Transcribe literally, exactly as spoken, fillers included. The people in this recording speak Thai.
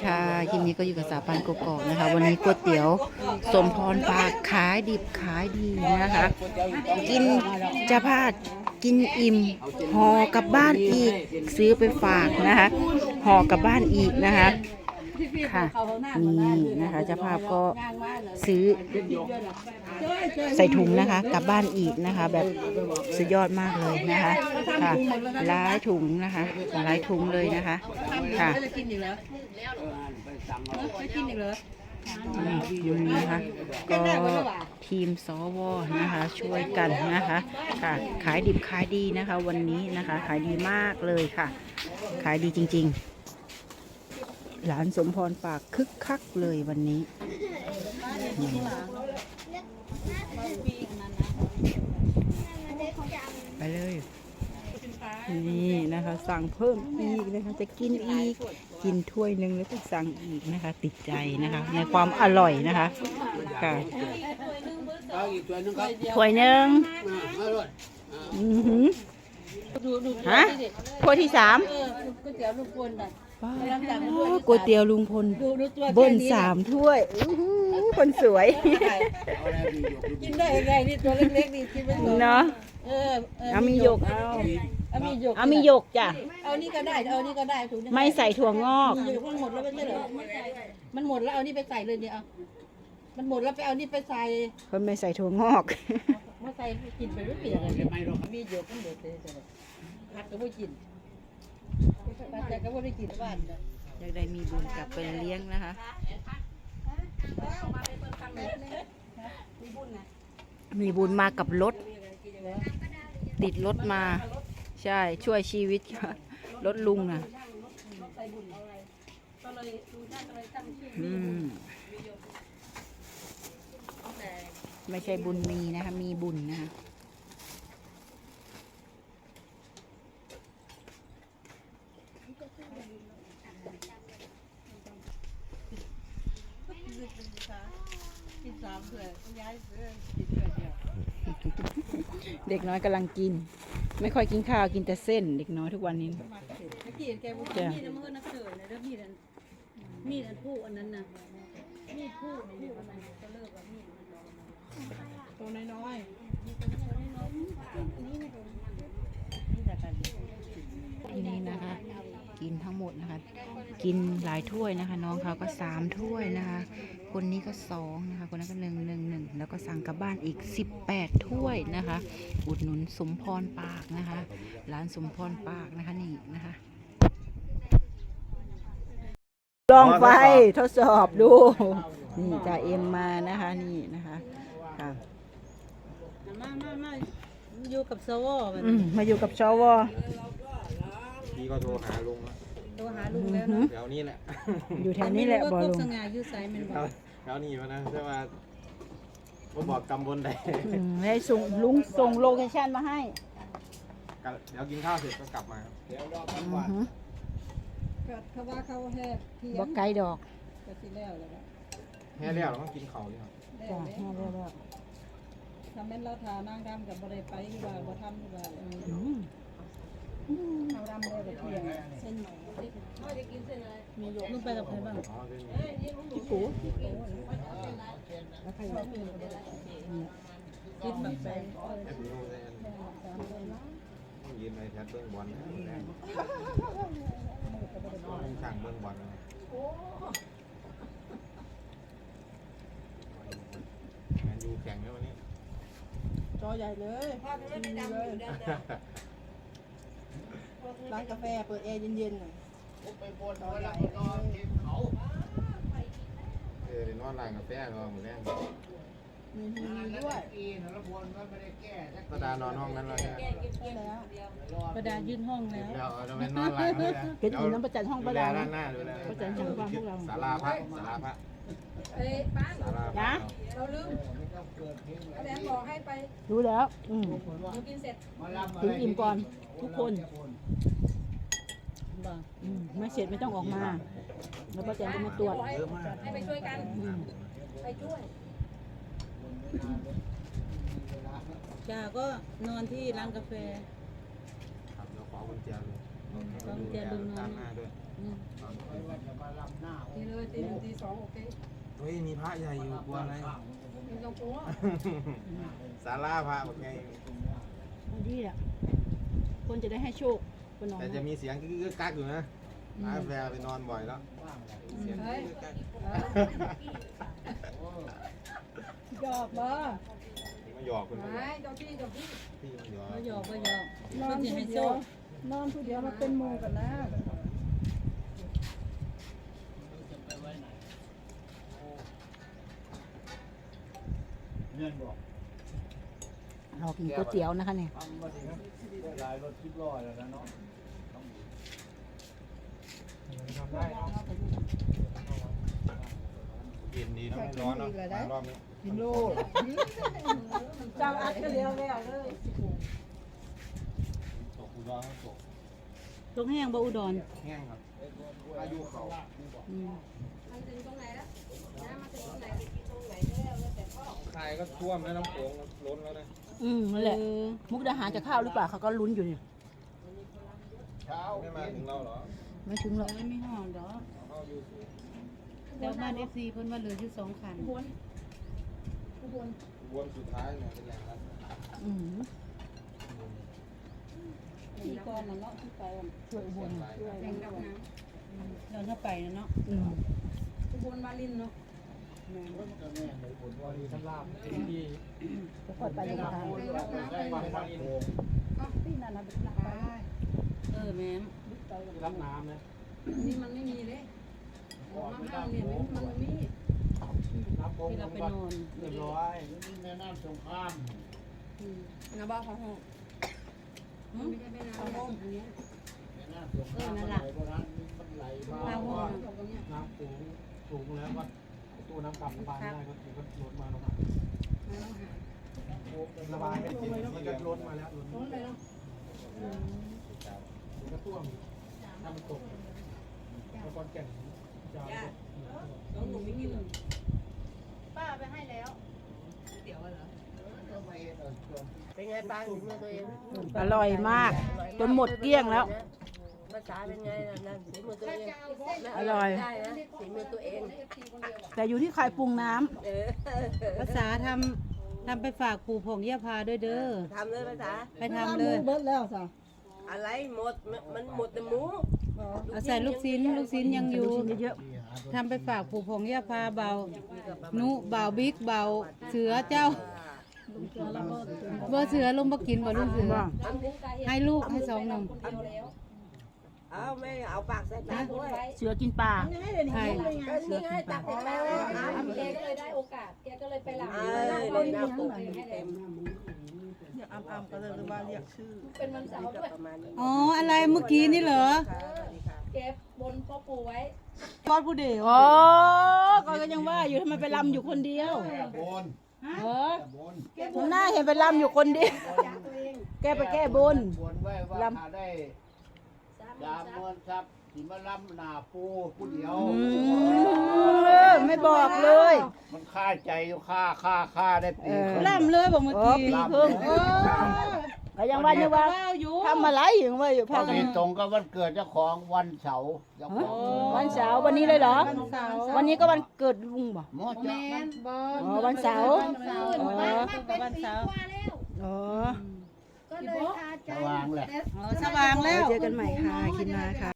ค่ะคลิปนี้ก็อยู่กับสาวปานกกอกนะคะ วันนี้ก๋วยเตี๋ยวสมพรปากขายดิบขายดีนะคะ กินจะพลาดกินอิ่มห่อกลับบ้านอีกซื้อไปฝากนะคะห่อกลับบ้านอีกนะคะค่ะนี่นะคะเจ้าภาพก็ซื้อใส่ถุงนะคะกลับบ้านอีกนะคะ แบบสุดยอดมากเลยนะคะค่ะหลายถุงนะคะหลายถุงเลยนะคะค่ะยุงนะคะก็ทีมสวนะคะช่วยกันนะคะค่ะขายดิบขายดีนะคะวันนี้นะคะขายดีมากเลยค่ะขายดีจริงๆหลานสมพรปากคึกคักเลยวันนี้ไปเลยนี่นะคะสั่งเพิ่มอีกนะคะจะกินอีกกินถ้วยหนึ่งแล้วก็สั่งอีกนะคะติดใจนะคะในความอร่อยนะคะค่ะถ้วยหนึ่งอือหือฮะถ้วยที่สามก๋วยเตี๋ยวลุงพลก๋วยเตี๋ยวลุงพลเบิ้ลสามถ้วยคนสวยกินได้ยังไงนี่ตัวเล็กๆนี่กินไม่หมดเนาะเออเอามีหยกเอาเอามีหยกเอามีหยกจ้ะเอานี่ก็ได้เอานี่ก็ได้ถุงไม่ใส่ถั่วงอกมีหยกมันหมดแล้วไม่ใช่เหรอมันหมดแล้วเอานี่ไปใส่เลยเนี่ยเอามันหมดแล้วไปเอานี่ไปใส่คนไม่ใส่ถั่วงอกมาใส่กินไปไม่เปลี่ยนอะไรมีหยกมันหมดเลยผัดก็ไม่กินแต่ก็ไม่ได้กินบ้านอยากได้มีบุญกลับไปเลี้ยงนะคะมีบุญมากับรถติดรถมาใช่ช่วยชีวิตค่ะรถลุงนะอืมไม่ใช่บุญมีนะคะมีบุญนะคะเด็กน้อยกำลังกินไม่ค่อยกินข้าวกินแต่เส้นเด็กน้อยทุกวันนี้จ้ะมีดมันก็นักเกิดเลยแล้วมีดมีดอันผู้อันนั้นนะมีดผู้ผู้อันนั้นก็เลิกว่ามีดตัวน้อยนี่นะคะกินทั้งหมดนะคะกินหลายถ้วยนะคะน้องเขาก็สามถ้วยนะคะคนนี้ก็สองนะคะคนนั้นก็หนึ่งหนึ่งหนึ่งแล้วก็สั่งกลับบ้านอีกสิบแปดถ้วยนะคะอุดหนุนสมพรปากนะคะร้านสมพรปากนะคะนี่นะคะลองไฟทดสอบดูนี่จ่าเอ็มมานะคะนี่นะคะค่ะมามามาอยู่กับสวมาอยู่กับชวพี่ก็โทรหาลุงแล้วโทรหาลุงแล้วแถวนี้แหละอยู่แถวนี้แหละบอลุงสง่าอยู่ไซมันบอกแถวนี้มานะใช่ว่าผมบอกกำบลใดให้ส่งลุงส่งโลเคชั่นมาให้เดี๋ยวกินข้าวเสร็จก็กลับมาเดี๋ยวรอพักก่อนเขาว่าเขาแห่เทียมบอกไก่ดอกก็สิแล้วเลยแห่แล้วเราต้องกินเขาเลยครับจ้ะแห่แล้วแล้วทำเป็นเราทานั่งดำกับบริไปที่ว่าบ่ทำที่ว่าเอาดำเลยแบบเทียมเส้นใหม่เขาจะกินเส้นอะไรมีหยกมึงไปกับใครบ้างพี่ปูแล้วใครบ้างกินแบบแบงยืนในแถวเบื้องบอลสั่งเบื้องบอลงานยูแข่งแล้ววันนี้จอใหญ่เลยภาพไม่ดำอยู่ด้านร้านกาแฟเปิดแอร์เย็นๆหน่อยไปบนอะไรนอนเขาเออนอนร้านกาแฟนอนเหมือนแน่มีทีวีด้วยประดานอนห้องนั้นแล้วใช่ไหมประดายื่นห้องแล้วเดี๋ยวเราไปนอนร้านเลยเก็บอยู่น้ำประจันห้องประดาด้านหน้าดูแลประจันห้องบ้านพวกเราศาลาพระศาลาพระเอ้ป้าศาลาพระเราลืมแดงบอกให้ไปรู้แล้วอืมกินเสร็จถึงอิ่มก่อนทุกคนไม่เสร็จไม่ต้องออกมาแล้วประจันจะมาตรวจให้ไปช่วยกันไปช่วยจ้าก็นอนที่ร้านกาแฟครับเราขอกุญแจเลยขอกุญแจลุงนอนหน้าด้วยที่เลยตีหนึ่งตีสองโอเคเฮ้ยมีพระใหญ่อยู่กลัวอะไรไม่ต้องกลัวศาลาพระแบบไงดีอ่ะคนจะได้ให้โชคคนนอนแต่จะมีเสียงกึกกักอยู่นะร้านกาแฟไปนอนบ่อยแล้วเสียงกึกกักหยอกบ่นี่มาหยอกคุณไม่เจ้าพี่เจ้าพี่พี่มาหยอกมาหยอกมาหยอกนอนผู้เดียวนอนผู้เดียวมาเป็นหมู่กันนะเรากินก๋วยเตี๋ยวนะคะเนี่ยลายรถทิพย์ลอยแล้วนะเนาะทำได้เย็นดีนะไม่ร้อนเนาะรอบนี้กินโลเจ้าอัดก็เดียวแล้วเลยตกอุดรตกตรงแห้งบ่อุดรแห้งครับอายุเขาอืมมันถึงตรงไหนแล้วน้ำมันถึงตรงไหนคายก็ท่วมแล้วน้ำโขงล้นแล้วนะอืมนั่นแหละมุกดาหารจะเข้าหรือเปล่าเขาก็ลุ้นอยู่เนี่ยเช้าไม่มาถึงเราเหรอไม่ถึงหรอกไม่ห่อดอกเข้าอยู่สูงแต่บ้านเอฟซีเพิ่นว่าเหลืออยู่สองคันวนสุดท้ายเนี่ยเป็นแหล่งรัดอืมที่ก้อนน่ะเนาะที่ไปอ่ะช่วยอุบลแข่งกับน้ำเราถ้าไปนะเนาะอืมอุบลวาลินเนาะวารีท่านลาบที่จะค่อยไปยังไงได้วันวารีพี่นั่นนะหนักไปเออแม่มรับน้ำนะนี่มันไม่มีเลยมาห้างเนี่ยมันมันมีน้ำโขงที่เราไปนอนเรียบร้อยนี่แม่น้ำสงครามนะบ้าของห้องไม่ใช่แม่น้ำห้องอันเนี้ยแม่น้ำสงครามไหลโบราณมันไหลมาทางห้องน้ำสูงสูงแล้วก็ตู้น้ำกลับระบายไม่ได้ก็ถือว่าล้นมาลงมาระบายไม่จริงมันก็ล้นมาแล้วล้นล้นเลยเนาะมันก็ท่วมถ้ามันตกแล้วก็แก่นจะน้องหนูไม่กินเลยป้าไปให้แล้วเดี๋ยวเหรอเป็นไงป้าถึงมือตัวเองอร่อยมาก จนหมดเกลี้ยงแล้วภาษาเป็นไงล่ะนั่นสีมือตัวเองอร่อยได้นะสีมือตัวเองแต่อยู่ที่ใครปรุงน้ำเออภาษาทำทำไปฝากปู่ผงเยี่ยพาด้วยเด้อทำเลยภาษาไปทำเลยเบิดแล้วสะอะไรหมดมันหมดแต่หมูเอาใส่ลูกชิ้นลูกชิ้นยังอยู่เยอะทำไปฝากปู่ผงเยี่ยพาเบานุเบาบิ๊กเบาเสือเจ้าบ่เสือลงบ่กินบ่ลูกเสือให้ลูกให้สองหนึ่งเอาไม่เอาปากใส่ปากด้วยเสือกินปลาใช่ก็นี่ไงตักใส่ปากเลยเอาแกก็เลยได้โอกาส แกก็เลยไปหลังเออน้ำตุ่มเต็มเป็นวันเสาร์ด้วยประมาณนี้อ๋ออะไรเมื่อกี้นี่เหรอแกบนพ่อปู่ไว้ทอดผู้เดียวอ๋อก็ยังว่าอยู่ทำไมไปลำอยู่คนเดียวบนเออบนผมหน้าเห็นไปลำอยู่คนเดียว แกไปแก้บนบนไว้ว่าถ้าได้สามหมื่นครับสิมาล้ำหน้าปูผู้เดียวอืมไม่บอกเลยมันค่าใจอยู่ค่าค่าค่าได้ปีครึ่งล่ำเลยบอกเมื่ออ๋อกี้ปีครึ่งก็ยังว่าอยู่ว่าว้าวอยู่ทำอะไรอยู่ว่าอยู่พพาอกันดีตรงกับวันเกิดเจ้าของวันเสาร์เจ้าของวันเสาร์วันนี้เลยเหรอวันเสาร์วันนี้ก็วันเกิดลุงบ่หมดแมจ้ะนบอลอ๋อวันเสาร์วันเสาร์อ๋อวันเสาร์อ๋อก็เลยพาใจสว่างแหละอ๋อสว่างแล้วเจอกันใหม่ค่ะคิดมาค่ะ